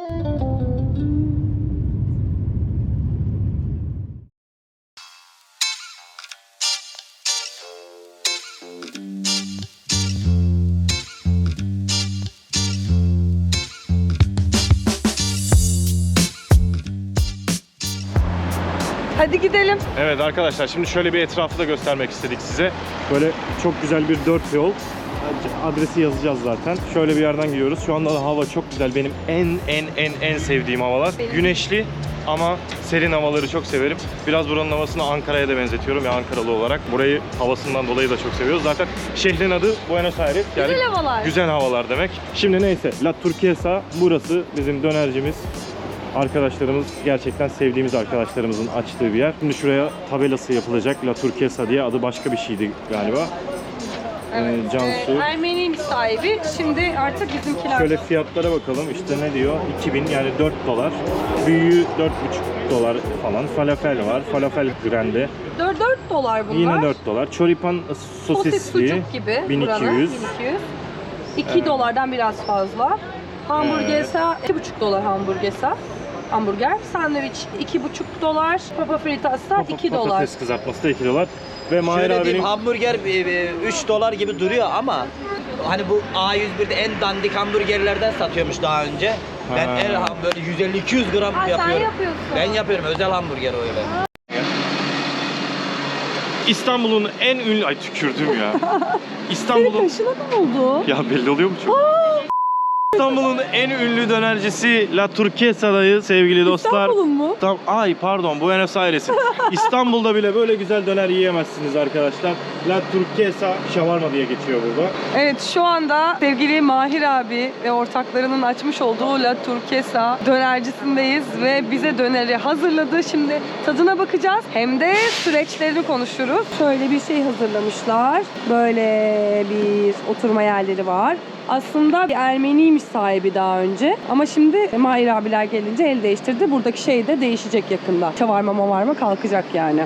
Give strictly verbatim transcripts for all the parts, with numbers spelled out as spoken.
Hadi gidelim. Evet arkadaşlar, şimdi şöyle bir etrafı da göstermek istedik size. Böyle çok güzel bir dört yol. Adresi yazacağız zaten. Şöyle bir yerden gidiyoruz. Şu anda da hava çok güzel. Benim en en en en sevdiğim havalar. Benim. Güneşli ama serin havaları çok severim. Biraz buranın havasını Ankara'ya da benzetiyorum ya, Ankaralı olarak. Burayı havasından dolayı da çok seviyoruz. Zaten şehrin adı Buenos Aires. Yani Güzel havalar. Güzel havalar demek. Şimdi neyse, La Turquesa burası bizim dönercimiz. Arkadaşlarımız, gerçekten sevdiğimiz arkadaşlarımızın açtığı bir yer. Şimdi şuraya tabelası yapılacak. La Turquesa diye, adı başka bir şeydi galiba. Evet. Ee, Cansu. Ee, Ermeni sahibi. Şimdi artık bizimkiler. Şöyle fiyatlara bakalım. İşte ne diyor? iki bin, yani dört dolar. Büyüğü dört buçuk dolar falan. Falafel var. Falafel grande. dört dolar bunlar. Yine dört dolar. Choripan Sosis sosisli. sucuk gibi. bin iki buranın. yüz. bin iki yüz. iki dolardan biraz fazla. Hamburgersa iki buçuk dolar hamburgersa. Hamburger. Sandviç iki buçuk dolar. Papa fritas da iki dolar. Patates kızartması da iki dolar. Ve Mahir Şöyle abinin... diyeyim, hamburger üç dolar gibi duruyor ama hani bu A yüz bir'de en dandik hamburgerlerden satıyormuş daha önce. Ben Ha. en ham- böyle yüz elli iki yüz gram Ha, sen yapıyorum. yapıyorsun. Ben yapıyorum, özel hamburger öyle. İstanbul'un en ünlü... Ay tükürdüm ya. Senin İstanbul'un... kaşına ne oldu? Ya belli oluyor mu çok? İstanbul'un en ünlü dönercisi La Turquesa'dayız sevgili dostlar. İstanbul'un mu? Tam, ay pardon, Buenos Aires'in. İstanbul'da bile böyle güzel döner yiyemezsiniz arkadaşlar. La Turquesa shawarma diye geçiyor burada. Evet, şu anda sevgili Mahir abi ve ortaklarının açmış olduğu La Turquesa dönercisindeyiz ve bize döneri hazırladı. Şimdi tadına bakacağız. Hem de süreçlerini konuşuruz. Şöyle bir şey hazırlamışlar. Böyle bir oturma yerleri var. Aslında bir Ermeniymiş sahibi daha önce. Ama şimdi Mahir abiler gelince el değiştirdi. Buradaki şey de değişecek yakında. Şavarma mavarma kalkacak yani.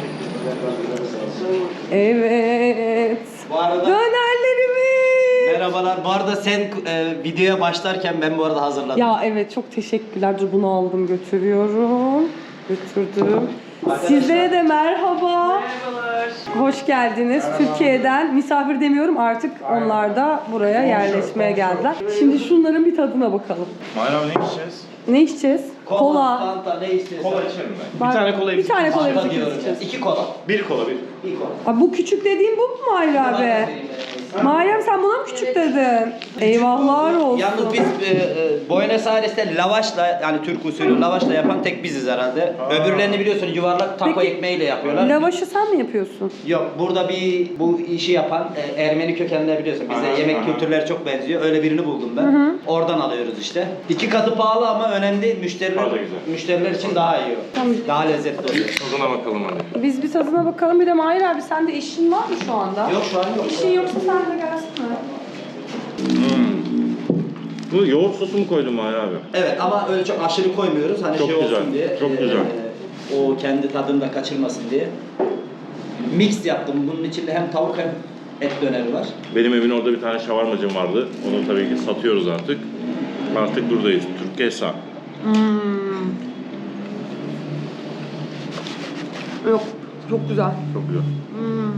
Evet. Bu arada Dönerlerimiz. merhabalar. Bu arada sen e, videoya başlarken ben bu arada hazırladım. Ya evet, çok teşekkürler. Dur, bunu aldım götürüyorum. Götürdüm. Sizlere de merhaba. Merhabalar. Hoş geldiniz. Türkiye'den misafir demiyorum, artık onlar da buraya yerleşmeye geldiler. Şimdi şunların bir tadına bakalım. Mahir abi ne içeceğiz? Ne içeceğiz? Kola, Kola. Fanta, ne istiyorsan. Kola içerim ben. Ben- Bir tane kola Bir tane kola Fanta biz diyorum. içeceğiz. İki kola. Bir kola bir. Bir kola. Abi bu küçük dediğin bu mu Mahir abi? Meryem, sen buna mı küçük dedin? Eyvahlar olsun. Yalnız biz e, e, Buenos Aires'te lavaşla, yani Türk usulü lavaşla yapan tek biziz herhalde. Aa. Öbürlerini biliyorsun yuvarlak taco Peki, ekmeğiyle yapıyorlar. Lavaşı sen mi yapıyorsun? Yok, burada bir bu işi yapan e, Ermeni kökenler biliyorsun. Bize Aha, yemek aha. kültürleri çok benziyor. Öyle birini buldum ben. Oradan alıyoruz işte. İki katı pahalı ama önemli. Müşteriler Daha da güzel. müşteriler için daha iyi o. Tamam. Daha lezzetli oluyor. Tadına bakalım hadi. Biz bir tadına bakalım. Bir de Mahir abi, sende işin var mı şu anda? Yok, şu an yok. İşin yoksa sen de gelsene. Bu yoğurt sosu mu koydun Mahir abi? Evet, ama öyle çok aşırı koymuyoruz. Hani Çok şey güzel, olsun diye. çok e, güzel. O kendi tadını da kaçırmasın diye. Mix yaptım. Bunun içinde hem tavuk hem et döneri var. Benim evin orada bir tane şavarmacım vardı. Onu tabii ki satıyoruz artık. Artık buradayız. Turquesa. Hmm. Yok, çok güzel. Çok güzel. Hmm.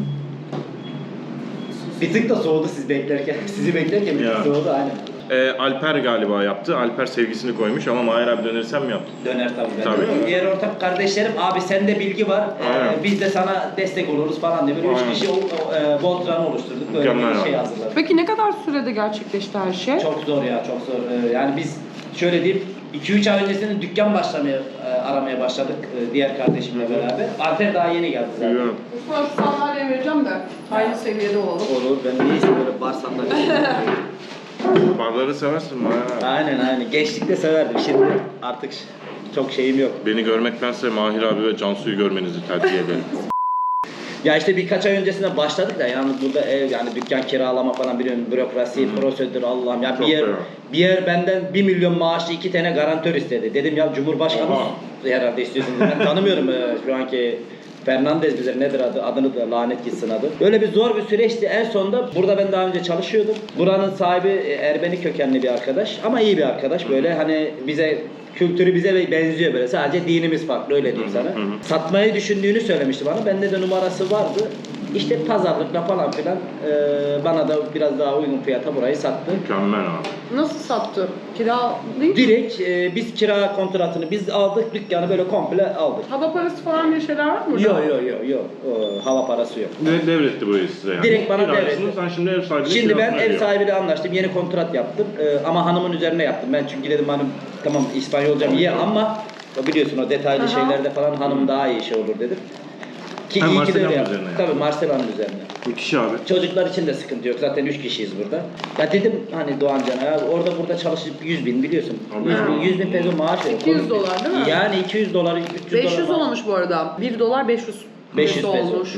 Bir tık da soğudu siz beklerken. Sizi beklerken bir Ya. tık soğudu aynen. Ee, Alper galiba yaptı. Alper sevgisini koymuş ama Mahir abi döneri sen mi yaptın? Döner tabii. Ben Tabii. de. Diğer ortak kardeşlerim, abi sende bilgi var. Aynen. Ee, biz de sana destek oluruz falan diye. Böyle üç Aynen. kişi o, o, e, Voltran'ı oluşturduk. Böyle Mükemmel bir şey abi. hazırladık. Peki ne kadar sürede gerçekleşti her şey? Çok zor ya, çok zor. Ee, yani biz şöyle diyeyim, iki üç ay öncesinde dükkan başlamaya, e, aramaya başladık e, diğer kardeşimle beraber. Alper daha yeni geldi zaten. Biliyorum. Sonra şu sandalye vereceğim de aynı seviyede olalım. Olur, ben neyse böyle bar sandalye. Barları seversin Mahir abi. Aynen aynen. Gençlikte severdim. Şimdi artık çok şeyim yok. Beni görmektense Mahir abi ve Cansu'yu görmenizi tercih ederim. Ya işte birkaç ay öncesinde başladık da yani burada ev, yani dükkan kiralama falan, biliyorsun, bürokrasi, prosedür, Allah'ım ya, bir Çok yer fena. bir yer benden bir milyon maaşlı iki tane garantör istedi. Dedim ya, Cumhurbaşkanı Oha. herhalde istiyorsunuz. Ben tanımıyorum e, şu anki Fernandez bize nedir adı? Adını da lanet gitsin adı. Böyle bir zor bir süreçti. En sonunda burada ben daha önce çalışıyordum. Buranın sahibi Ermeni kökenli bir arkadaş ama iyi bir arkadaş. Böyle hani bize kültürü bize benziyor böyle. Sadece dinimiz farklı öyle diyeyim sana. Satmayı düşündüğünü söylemişti bana. Bende de numarası vardı. İşte pazarlıkla falan filan e, bana da biraz daha uygun fiyata burayı sattı. Mükemmel abi. Nasıl sattı? Kira değil mi? Direkt e, biz kira kontratını biz aldık, dükkanı böyle komple aldık. Hava parası falan bir şeyler var mı? Yok yok yok yok. Hava parası yok. Ne devretti burayı size yani? Direkt bana Kiracısınız, devretti. Sen şimdi ev sahibine Şimdi ben kirasını ev ödüyorsun. sahibiyle anlaştım. Yeni kontrat yaptım. E, ama hanımın üzerine yaptım. Ben çünkü dedim hanım tamam İspanyolcam iyi ama o biliyorsun o detaylı Aha. şeylerde falan hanım daha iyi şey olur dedim. Ki Ha, iyi ki de Marsilya'nın öyle yaptım. üzerine yani. Tabii Marsilya'nın üzerine. Müthiş abi. Çocuklar için de sıkıntı yok. Zaten üç kişiyiz burada. Ya dedim hani Doğancan ya orada burada çalışıp yüz bin biliyorsun. Tabii yüz bin, ya. yüz bin peso maaş veriyor. iki yüz dolar değil mi? Yani iki yüz dolar, üç yüz beş yüz dolar. olmuş bu arada. bir dolar beş yüz beş yüz peso peso. olmuş. Ya.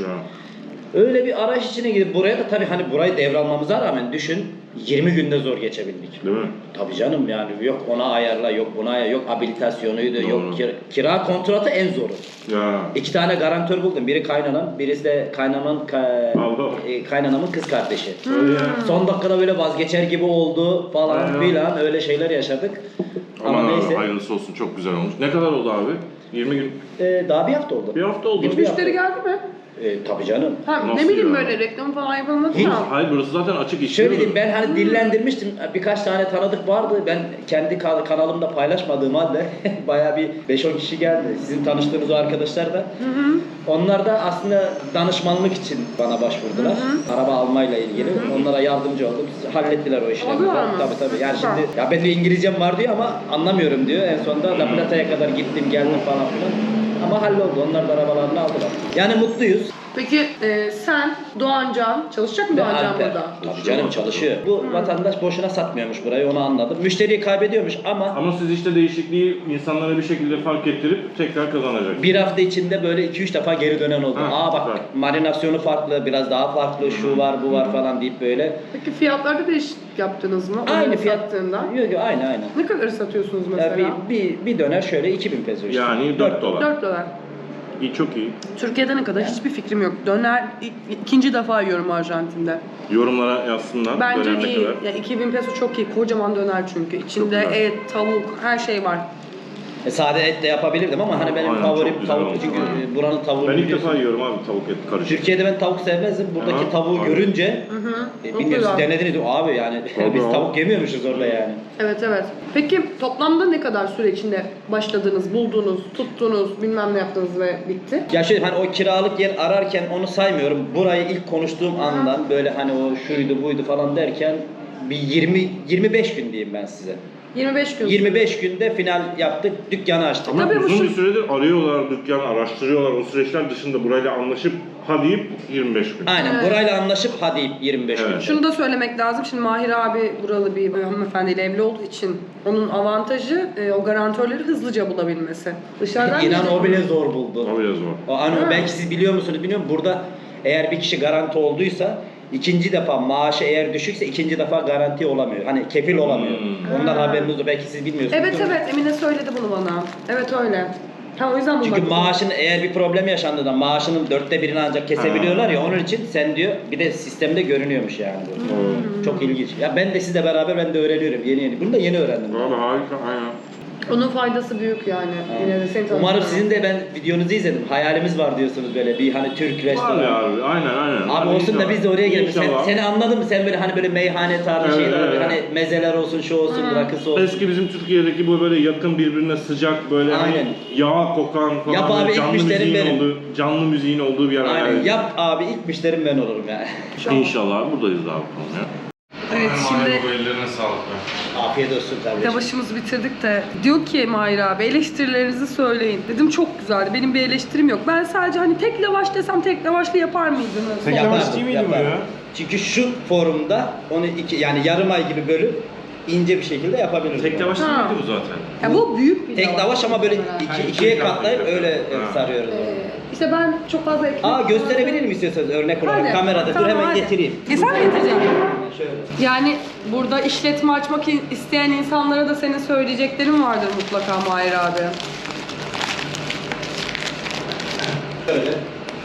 Öyle bir araç içine gidip buraya da tabii hani burayı devralmamıza rağmen düşün yirmi günde zor geçebildik. Değil mi? Tabii canım yani yok ona ayarla, yok buna ayarla, yok habilitasyonuydu, Doğru. yok kira, kira kontratı en zoru. Ya. İki tane garantör buldum. Biri kaynanam, birisi de kaynanamın ka- Allah. e, kaynanamın kız kardeşi. Öyle ya. Son dakikada böyle vazgeçer gibi oldu falan Aynen. filan öyle şeyler yaşadık. Ama Aman abi, neyse. hayırlısı olsun, çok güzel olmuş. Ne kadar oldu abi? yirmi gün. Ee, daha bir hafta oldu. Bir hafta oldu. Bir- Hiç bir müşteri hafta. geldi mi? Ee, tabii canım. Ha, Nasıl ne bileyim ya? böyle reklam falan yapılmadı Hiç. ya. Hayır, burası zaten açık iş. Şöyle değil mi? diyeyim ben hani dillendirmiştim. Birkaç tane tanıdık vardı. Ben kendi ka- kanalımda paylaşmadığım halde bayağı bir beş on kişi geldi. Sizin tanıştığınız o arkadaşlar da. Onlar da aslında danışmanlık için bana başvurdular. Araba almayla ilgili. Onlara yardımcı oldum. Hallettiler o işleri. Aldılar mı? Tabii tabii. Yani Süper. şimdi ya benim de İngilizcem var diyor ama anlamıyorum diyor. En sonunda La Plata'ya kadar gittim geldim falan filan. Ama halloldu. Onlar da arabalarını aldılar. Yani mutluyuz. Peki e, sen Doğancan çalışacak mı Ve Doğancan Alper. burada? Tabii canım çalışıyor. Bu vatandaş boşuna satmıyormuş burayı onu anladım. Müşteriyi kaybediyormuş ama Ama siz işte değişikliği insanlara bir şekilde fark ettirip tekrar kazanacak. bir hafta içinde böyle iki üç defa geri dönen oldu. Ha, Aa bak süper. marinasyonu farklı, biraz daha farklı, şu var bu var falan deyip böyle. Peki fiyatlarda değişiklik yaptınız mı? Aynı Onu fiyat. sattığında. Yok yok aynı aynı. Ne kadar satıyorsunuz Ya mesela? bir, bir, bir döner şöyle iki bin peso işte. Yani dört dolar. dört dolar. İyi, çok iyi. Türkiye'de ne kadar hiçbir fikrim yok. Döner ik- ikinci defa yiyorum Arjantin'de. Yorumlara yazsınlar. Bence döner ne iyi. kadar. Yani iki bin peso çok iyi. Kocaman döner çünkü. İçinde güzel. et, tavuk, her şey var. E, sade et de yapabilirdim ama hani benim Aynen, favorim çok güzel tavuk olmuş. çünkü Aynen. e, buranın tavuğunu Ben ilk biliyorsun. defa yiyorum abi tavuk et karışık. Türkiye'de ben tavuk sevmezdim. Buradaki Aha, tavuğu aynen. görünce Hı hı. e, Çok bilmiyorum siz güzel. denediniz mi? Abi yani Tabii biz abi. tavuk yemiyormuşuz orada yani. Evet evet. Peki toplamda ne kadar süre içinde başladınız, buldunuz, tuttunuz, bilmem ne yaptınız ve bitti? Ya şöyle hani o kiralık yer ararken onu saymıyorum. Burayı ilk konuştuğum andan böyle hani o şuydu buydu falan derken bir yirmi yirmi beş gün diyeyim ben size. yirmi beş gün. yirmi beş günde final yaptık, dükkanı açtık. Ama Tabii bu uzun şu- bir süredir arıyorlar dükkanı, araştırıyorlar. O süreçler dışında burayla anlaşıp ha deyip yirmi beş gün. Aynen Evet. burayla anlaşıp hadi yirmi beş Evet. gün. Şunu da söylemek lazım. Şimdi Mahir abi buralı bir hanımefendiyle evli olduğu için onun avantajı e, o garantörleri hızlıca bulabilmesi. Dışarıdan İnan gelecek- o bile zor buldu. O biraz zor. O hani Ha. belki siz biliyor musunuz bilmiyorum. Burada eğer bir kişi garanti olduysa ikinci defa maaşı eğer düşükse ikinci defa garanti olamıyor. Hani kefil olamıyor. Hmm. Ondan haberiniz yok. Belki siz bilmiyorsunuz. Evet evet Emine söyledi bunu bana. Evet öyle. Ha o yüzden Çünkü bulmak maaşın eğer bir problem yaşandığında maaşının dörtte birini ancak kesebiliyorlar ya onun için sen diyor bir de sistemde görünüyormuş yani bu. Oo. Çok ilginç. Ya ben de sizle beraber ben de öğreniyorum yeni yeni. Bunu da yeni öğrendim. Valla harika, aynen. Onun faydası büyük yani. Yine de seni Umarım tanıyorum. sizin de ben videonuzu izledim. Hayalimiz var diyorsunuz böyle bir hani Türk Var restoranı. ya abi, aynen aynen. Abi Hadi olsun da inşallah. biz de oraya gelelim. Sen, İnşallah. seni anladım mı? Sen böyle hani böyle meyhane tarzı Evet, şeyler evet, hani evet. mezeler olsun, şu olsun, rakısı olsun. Eski bizim Türkiye'deki bu böyle yakın birbirine sıcak böyle hani Aynen. yağ kokan falan Yap böyle abi, ilk canlı müşterim müziğin benim. olduğu, canlı müziğin olduğu bir yer. Aynen. hayal Yap abi ilk müşterim ben olurum yani. İnşallah buradayız abi bakalım ya. Evet şimdi ellerine sağlık be. Afiyet olsun kardeşim. lavaşımızı bitirdik de diyor ki Mahir abi eleştirilerinizi söyleyin. Dedim çok güzeldi. Benim bir eleştirim yok. Ben sadece hani tek lavaş desem tek lavaşlı yapar mıydınız? Tek Sonra- lavaş Yapardım, değil miydi bu yapardım. ya? Çünkü şu forumda onu iki yani yarım ay gibi bölüp ince bir şekilde yapabiliriz. Tek lavaş değil Ha. miydi bu zaten? Ya bu büyük bir Tek lavaş ama böyle muhtemelen. iki, Ha, ikiye ikiye katlayıp katlayıp öyle yapıyoruz. Ha. sarıyoruz. Ee, onu. işte ben çok fazla ekmek... Aa gösterebilir mi istiyorsanız örnek olarak Hadi. kamerada? Tamam, Dur hemen hadi. getireyim. E sen mi getireceksin? Şöyle. Yani burada işletme açmak isteyen insanlara da senin söyleyeceklerin vardır mutlaka Mahir abi. Şöyle.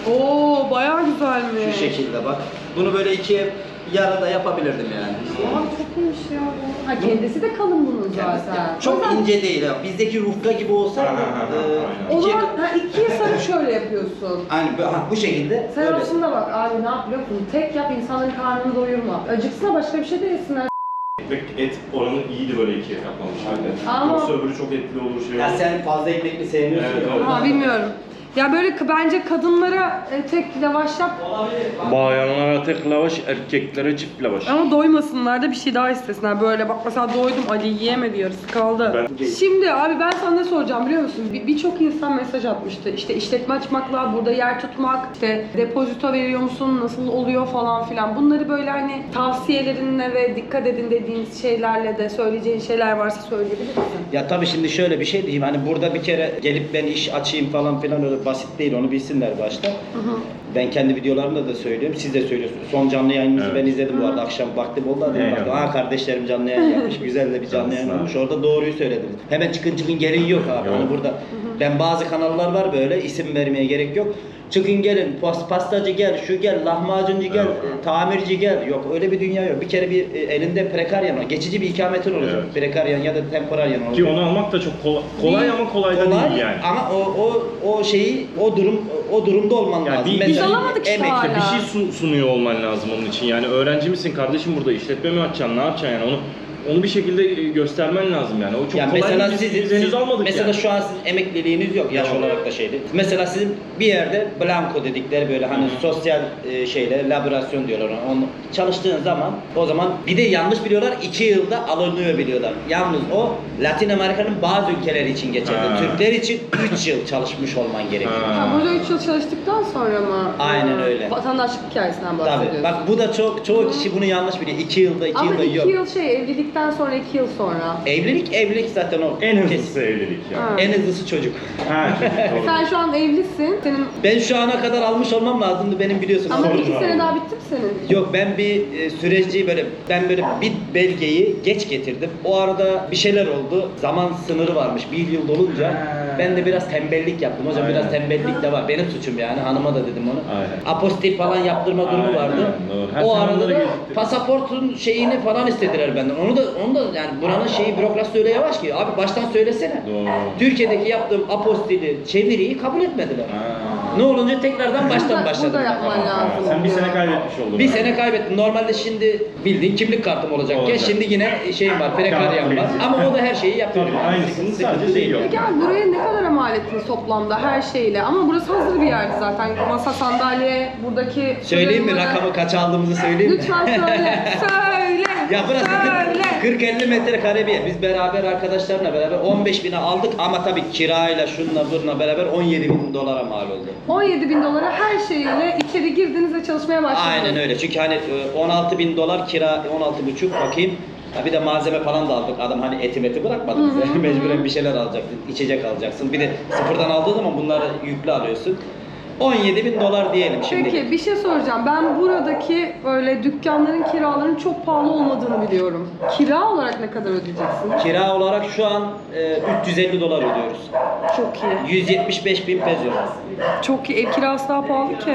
Oo bayağı güzelmiş. Şu şekilde bak. Bunu böyle ikiye yarıda yapabilirdim yani. Abi çok iyiymiş ya bu. Ha kendisi de kalın bunun zaten. Çok Zaten- ince değil ha. Bizdeki rufka gibi olsaydı Ha, ha, ha, e, O ikiye... zaman ha, ikiye sarıp şöyle yapıyorsun. Aynı bu, ha, bu şekilde. Sen öyle. aslında bak abi ne yap biliyor musun? Tek yap insanların karnını doyurma. Acıksına başka bir şey de yesinler. Ekmek et oranı iyiydi böyle ikiye katlanmış halde. Ama- Yoksa öbürü çok etli olur şey Ya olur. sen fazla ekmekli sevmiyorsun Evet, ya. evet. Ha bilmiyorum. Ya böyle k- bence kadınlara e, tek lavaş yap Bayanlara tek lavaş, erkeklere çift lavaş. ama doymasınlar da bir şey daha istesinler. Böyle bak mesela doydum Ali yiyemedi yarısı kaldı. Ben- Şimdi abi ben sana ne soracağım biliyor musun? Bir- Birçok insan mesaj atmıştı. İşte işletme açmakla, burada yer tutmak, işte depozito veriyor musun, nasıl oluyor falan filan. Bunları böyle hani tavsiyelerinle ve dikkat edin dediğiniz şeylerle de söyleyeceğin şeyler varsa söyleyebilir misin? Ya tabii şimdi şöyle bir şey diyeyim. Hani burada bir kere gelip ben iş açayım falan filan öyle basit değil. Onu bilsinler başta. Ben kendi videolarımda da söylüyorum. Siz de söylüyorsunuz. Son canlı yayınınızı Evet. ben izledim bu arada. Akşam vaktim oldu. Dedim, Eyvallah. baktım, aa kardeşlerim canlı yayın yapmış. Güzel de bir canlı yayın Sağ ol. olmuş. Orada doğruyu söylediniz. Hemen çıkın çıkın gelin yok abi. Yok. Hani burada ben bazı kanallar var böyle isim vermeye gerek yok. Çıkın gelin, pas, pastacı gel, şu gel, lahmacuncu gel, Evet. e, tamirci gel. Yok öyle bir dünya yok. Bir kere bir e, elinde prekaryan var. Geçici bir ikametin olacak. Evet. Prekaryan ya da temporaryan olacak. Ki onu almak da çok kolay, kolay ama kolay da Kolay değil yani. ama o o o şeyi o durum o durumda olman Yani lazım. bir- Biz alamadık işte emek- hala. Bir şey sun- sunuyor olman lazım onun için. Yani öğrenci misin kardeşim, burada işletme mi açacaksın, ne yapacaksın yani onu onu bir şekilde göstermen lazım yani. O çok Yani kolay mesela değil. Biz, sizin, biz henüz siz- almadık mesela yani. şu an sizin emekliliğiniz yok yaş Yok. olarak da şeydi. Mesela sizin bir yerde blanko dedikleri böyle hani sosyal e, şeyle laborasyon diyorlar ona. Onu çalıştığın zaman o zaman bir de yanlış biliyorlar iki yılda alınıyor biliyorlar. Yalnız o Latin Amerika'nın bazı ülkeleri için geçerli. Ha. Türkler için üç yıl çalışmış olman gerekiyor. Ha. Ha, burada üç yıl çalıştıktan sonra mı? Aynen Ha, öyle. Vatandaşlık hikayesinden bahsediyorsun. Tabii. Bak bu da çok çoğu kişi bunu yanlış biliyor. iki yılda iki Ama yılda iki yok. yıl şey evlilikten sonra iki yıl sonra. Evlilik evlilik zaten o. En Kesin. hızlısı evlilik yani. Ha. En hızlısı çocuk. Ha, doğru. Sen şu an evlisin. Senin Ben şu ana kadar almış olmam lazımdı benim biliyorsun. ama Sorun iki var sene mı? daha bitti mi senin? Yok ben bir e, süreci böyle ben böyle bir belgeyi geç getirdim. O arada bir şeyler oldu. Zaman sınırı varmış. Bir yıl dolunca Ha. ben de biraz tembellik yaptım. Hocam Aynen. biraz tembellik de var. Benim suçum yani. Hanıma da dedim onu. Aynen. Apostil falan yaptırma durumu Aynen, vardı. doğru. Her O sene arada onları da geciktirdim. pasaportun şeyini falan istediler benden. Onu da onu da yani buranın şeyi bürokrasi öyle yavaş ki. Abi baştan söylesene. Doğru. Türkiye'deki yaptığım apostili, çeviriyi kabul etmediler. Ha. Ne olunca tekrardan baştan Burada- başladım. burada yapman ben. lazım. Sen bir sene kaybetmiş oldun. Bir yani. sene kaybettim. Normalde şimdi bildiğin kimlik kartım olacakken Olacak. şimdi yine şeyim var, prekaryam var. Kağıt Ama o da her şeyi yapıyor. Tabii, Yani aynısının sıkıntı sadece değil. şeyi yok. Peki abi buraya ne kadar mal ettiniz toplamda her şeyle? Ama burası hazır bir yerdi zaten. Masa, sandalye, buradaki... Söyleyeyim mi fırınları- rakamı kaç aldığımızı söyleyeyim mi? Lütfen söyle. söyle. Ya burası Söyle. kırk elli metrekare bir yer. Biz beraber arkadaşlarla beraber on beş bine aldık ama tabii kirayla şunla bununla beraber on yedi bin dolara mal oldu. on yedi bin dolara her şeyle içeri girdiniz ve çalışmaya başladınız. Aynen öyle. Çünkü hani e, on altı bin dolar kira, on altı buçuk bakayım. Ha bir de malzeme falan da aldık. Adam hani eti meti bırakmadı bize. Mecburen bir şeyler alacaksın, içecek alacaksın. Bir de sıfırdan aldığın zaman bunları yüklü alıyorsun. on yedi bin dolar diyelim şimdi. Peki bir şey soracağım. Ben buradaki böyle dükkanların kiralarının çok pahalı olmadığını biliyorum. Kira olarak ne kadar ödeyeceksin? Kira olarak şu an e, üç yüz elli dolar ödüyoruz. Çok iyi. yüz yetmiş beş bin peso. Çok iyi. Ev kirası daha pahalı ki.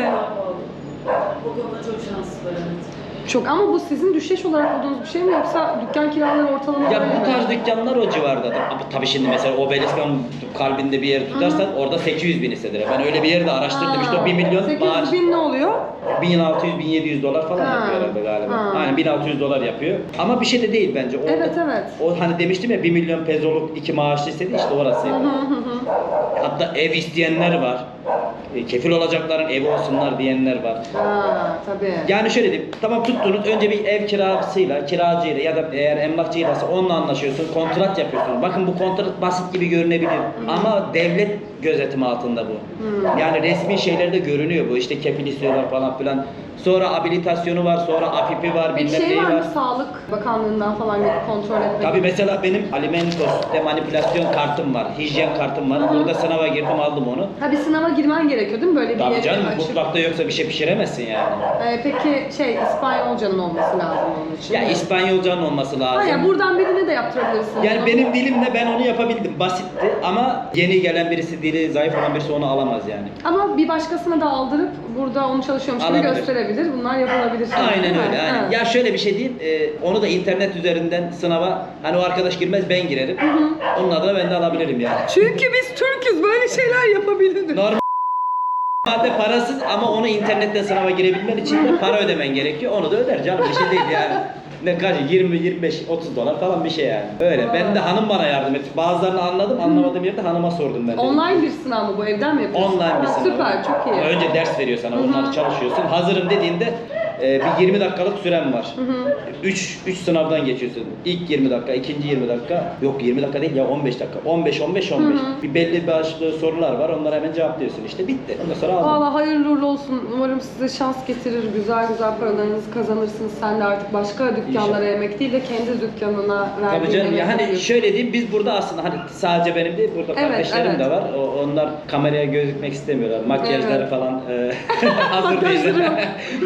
O konuda çok şanslılar evet. Çok ama bu sizin düşeş olarak bulduğunuz bir şey mi yoksa dükkan kiraları ortalama Ya böyle bu mi? tarz dükkanlar o civardadır. Ama tabii şimdi mesela Obeliskan kalbinde bir yer tutarsan orada sekiz yüz bin istediler. Ben öyle bir yerde araştırdım işte o bir milyon sekiz maaş. yüz bin ne oluyor? bin altı yüz bin yedi yüz dolar falan Ha. yapıyor herhalde galiba. Ha. Aynen bin altı yüz dolar yapıyor. Ama bir şey de değil bence. O, Evet, evet. O hani demiştim ya bir milyon pezoluk iki maaşlı istedi işte orası. Hatta ev isteyenler var. E, Kefil olacakların evi olsunlar diyenler var. Ha tabii. Yani şöyle diyeyim, tamam tuttunuz önce bir ev kiracısıyla, kiracıyla ya da eğer emlakçıyla onunla anlaşıyorsun, kontrat yapıyorsun. Bakın bu kontrat basit gibi görünebilir ama devlet gözetimi altında bu. Yani resmi şeylerde görünüyor bu. İşte kefil istiyorlar falan filan. Sonra abilitasyonu var, sonra afipi var, Peki bilmem şey neyi var var. mı? Sağlık Bakanlığı'ndan falan gelip kontrol etmek. Tabii mesela benim alimentos de manipülasyon kartım var, hijyen kartım var. Burada sınava girdim, aldım onu. Ha bir sınava girmen gerekiyor değil mi? Böyle bir Tabii yere canım, açıp. mutfakta yoksa bir şey pişiremezsin yani. Ee, peki şey İspanyolcanın olması lazım onun için. Ya değil mi? İspanyolcanın olması lazım. Ha ya buradan birine de yaptırabilirsin. Yani bunu. benim dilimle ben onu yapabildim. Basitti ama yeni gelen birisi, dili zayıf olan birisi onu alamaz yani. Ama bir başkasına da aldırıp burada onu çalışıyormuş gibi Alabilir. gösterebilir. Bunlar yapılabilir. şeyler, Aynen değil mi? öyle. Aynen. Ha. Ya şöyle bir şey diyeyim, e, onu da internet üzerinden sınava, hani o arkadaş girmez ben girerim. Onun adına ben de alabilirim yani. Çünkü biz Türk'üz, böyle şeyler yapabiliriz. Normalde parasız ama onu internetten sınava girebilmen için de para ödemen gerekiyor. Onu da öder canım, bir şey değil yani. Ne kaç yirmi yirmi beş otuz dolar falan bir şey yani. Öyle. Ben de hanım bana yardım etti. Bazılarını anladım, anlamadığım yerde hanıma sordum ben de. Online bir sınav mı bu? Evden mi yapıyorsun? Online bir Ha, sınav. Süper, çok iyi. Önce ders veriyor sana, onları çalışıyorsun. Hazırım dediğinde e, bir yirmi dakikalık süren var. üç üç sınavdan geçiyorsun. İlk yirmi dakika, ikinci yirmi dakika. Yok yirmi dakika değil ya on beş dakika. on beş on beş on beş. Bir belli başlı sorular var. Onlara hemen cevaplıyorsun işte. Bitti. Ondan sonra aldım. Valla hayırlı uğurlu olsun. Umarım size şans getirir. Güzel güzel paralarınızı kazanırsınız. Sen de artık başka dükkanlara yemek değil de kendi dükkanına verdiğin Tabii canım ya emeği hani veriyorsun. şöyle diyeyim, biz burada aslında hani sadece benim değil, burada Evet, kardeşlerim evet. de var. O, onlar kameraya gözükmek istemiyorlar. Makyajları Evet. falan e, hazır Makyajları değil. yok.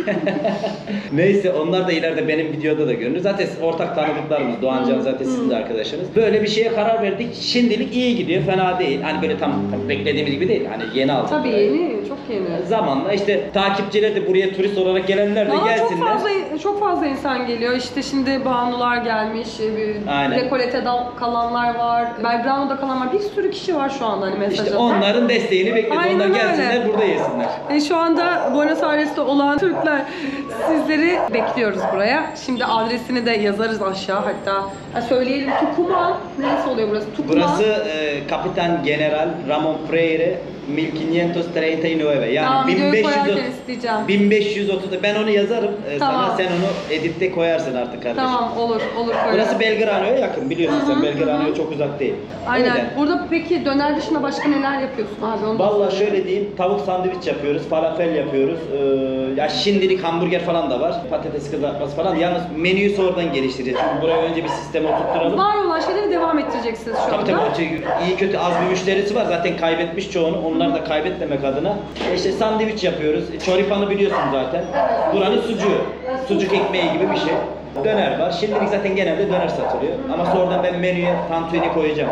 Neyse onlar da ileride benim videoda da görünür. Zaten ortak tanıdıklarımız. Doğancan zaten sizin de arkadaşınız. Böyle bir şeye karar verdik. Şimdilik iyi gidiyor. Fena değil. Hani böyle tam beklediğimiz gibi değil. Hani yeni aldık. Tabii burayı. yeni, çok yeni. Zamanla işte takipçiler de buraya turist olarak gelenler de Valla gelsinler. çok fazla çok fazla insan geliyor. İşte şimdi Banular gelmiş, bir Aynen. dekolete kalanlar var, Belgrano'da kalan var. Bir sürü kişi var şu anda hani mesaj İşte atan. onların desteğini bekliyoruz. Aynen Onlar öyle. gelsinler burada yesinler. E, şu anda Buenos Aires'te olan Türkler, sizleri bekliyoruz buraya. Şimdi adresini de yazarız aşağı hatta. Ha, söyleyelim Tucumán. Neresi oluyor burası? Tucumán. Burası e, Kapitan General Ramon Freire bin quinientos treinta y nueve yani Tamam, videoyu bin beş yüz koyarken isteyeceğim. bin beş yüz otuz ben onu yazarım e, Tamam. sana, sen onu editte koyarsın artık kardeşim. Tamam, olur, olur koyarız. Burası Belgrano'ya yakın biliyorsun sen, Belgrano'ya çok uzak değil. Aynen. Öyle. Burada peki döner dışında başka neler yapıyorsun abi? Onu da Vallahi söyle. şöyle diyeyim, tavuk sandviç yapıyoruz, falafel yapıyoruz. Ee, ya şimdilik hamburger falan da var, patates kızartması falan. Yalnız menüyü sonradan geliştireceğiz. Çünkü buraya önce bir sisteme oturtturalım. Var olan şeyleri devam ettireceksiniz şu Tabii anda. tabii o şey, iyi kötü az bir müşterisi var zaten kaybetmiş çoğunu, onları da kaybetmemek adına. E İşte sandviç yapıyoruz, çoripanı biliyorsun zaten. Buranın sucuğu, sucuk ekmeği gibi bir şey. Döner var, şimdilik zaten genelde döner satılıyor. Ama sonradan ben menüye tantuni koyacağım.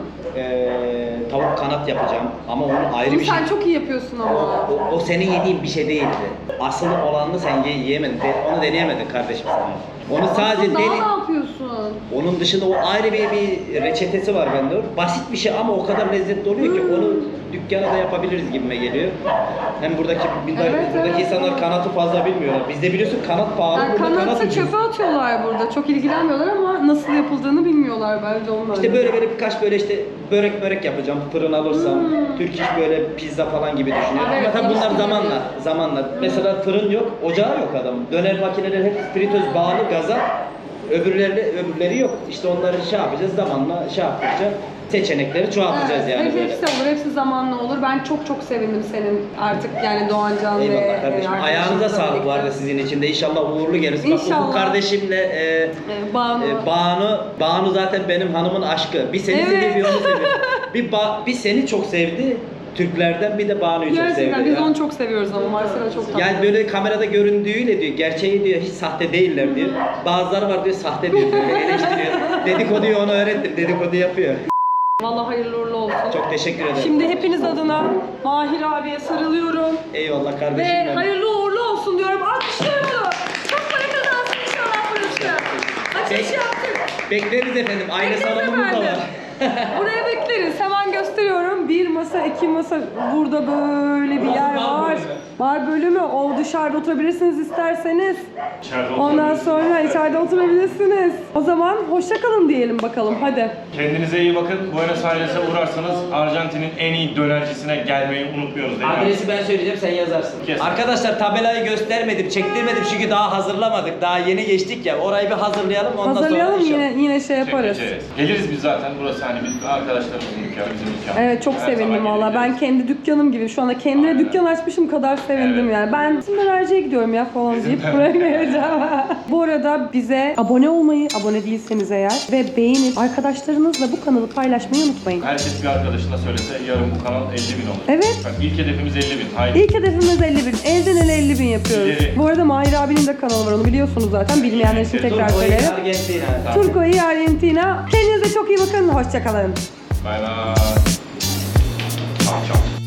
Ee, tavuk kanat yapacağım ama onun ayrı Bunu bir şey. sen çok iyi yapıyorsun ama. O, o senin yediğin bir şey değildi. Asıl olanını sen ye, yiyemedin, de- onu deneyemedin kardeşim sen. Onu sadece Aslında deli... daha ne yapıyorsun? Onun dışında o ayrı bir, bir reçetesi var bende. Basit bir şey ama o kadar lezzetli oluyor ki onu dükkana da yapabiliriz gibime geliyor. Hem buradaki buradaki, Evet, buradaki evet. insanlar kanatı fazla bilmiyorlar. Bizde biliyorsun kanat pahalı, Yani burada kanat kanatı ucuz. çöpe atıyorlar burada. Çok ilgilenmiyorlar ama nasıl yapıldığını bilmiyorlar bence onlar. İşte böyle böyle birkaç böyle işte börek börek yapacağım. Fırın alırsam, Türk iş böyle pizza falan gibi düşünüyorum. Evet, Ama tabii bunlar ilişki zamanla, gibi. zamanla. Mesela fırın yok, ocağı yok adam. Döner makineleri hep fritöz bağlı gaza. Öbürleri öbürleri yok. İşte onları şey yapacağız zamanla şey yaptıkça seçenekleri çoğaltacağız Evet, yani hep- böyle. hepsi olur, hepsi zamanla olur. Ben çok çok sevindim senin artık yani Doğancan ve Eyvallah kardeşim. e, Ayağınıza arkadaşınızla sağlık birlikte. bu arada sizin için de. İnşallah uğurlu gelirsin. Bak İnşallah. Ufuk kardeşimle e, Ee, Banu. e, Banu, Banu zaten benim hanımın aşkı. Bir seni Evet. seviyor, bir onu seviyor. bir, ba- bir seni çok sevdi. Türklerden bir de Banu'yu çok sevdi. Gerçekten biz ya. onu çok seviyoruz ama Marcela çok tatlı. Yani böyle kamerada göründüğüyle diyor, gerçeği diyor hiç sahte değiller diyor. Bazıları var diyor sahte diyor, böyle eleştiriyor. Dedikoduyu ona öğrettim, dedikodu yapıyor. Vallahi hayırlı uğurlu olsun. Çok teşekkür ederim. Şimdi hepiniz adına Mahir abiye sarılıyorum. Eyvallah kardeşim Ve benim. hayırlı uğurlu olsun diyorum. Alkışlıyorum onu. Çok para kazansın inşallah burası. Açılış Bek- yaptık. Bekleriz efendim, aile Bekleriz salonumuz da efendim. var. Buraya bekleriz. Hemen gösteriyorum. Bir masa, iki masa. Burada böyle bir yer bar var. bölümü. Bar bölümü. O dışarıda oturabilirsiniz isterseniz. İçeride Ondan oturabilirsiniz. sonra içeride oturabilirsiniz. O zaman hoşça kalın diyelim bakalım. Hadi. Kendinize iyi bakın. Buenos Aires'e uğrarsanız Arjantin'in en iyi dönercisine gelmeyi unutmuyoruz değil mi? Adresi ben söyleyeceğim, sen yazarsın. Kes. Arkadaşlar tabelayı göstermedim, çektirmedim çünkü daha hazırlamadık. Daha yeni geçtik ya. Orayı bir hazırlayalım ondan Hazırlayalım sonra inşallah. yine yine şey yaparız. Çekeceğiz. Geliriz biz zaten. Burası hani bir arkadaşlarımızın dükkanı, bizim dükkanı. Evet çok Her sevindim zaman valla. Vallahi ben kendi dükkanım gibi şu anda kendime dükkan açmışım kadar sevindim yani. Ben bizim dönerciye gidiyorum ya falan deyip buraya geleceğim. Bu arada bize abone olmayı, abone değilseniz eğer ve beğenip arkadaşlarınızla bu kanalı paylaşmayı unutmayın. Herkes bir arkadaşına söylese yarın bu kanal elli bin olur. Evet. Bak ilk hedefimiz elli bin. Haydi. İlk hedefimiz elli bin. Elden ele elli bin yapıyoruz. İleri. Bu arada Mahir abinin de kanalı var, onu biliyorsunuz zaten. Bilmeyenler için tekrar Turco'yu söyleyelim. Argentina. Turco'yu Argentina. Kendinize çok iyi bakın. Hoşçakalın. Bay bay. Çak çak.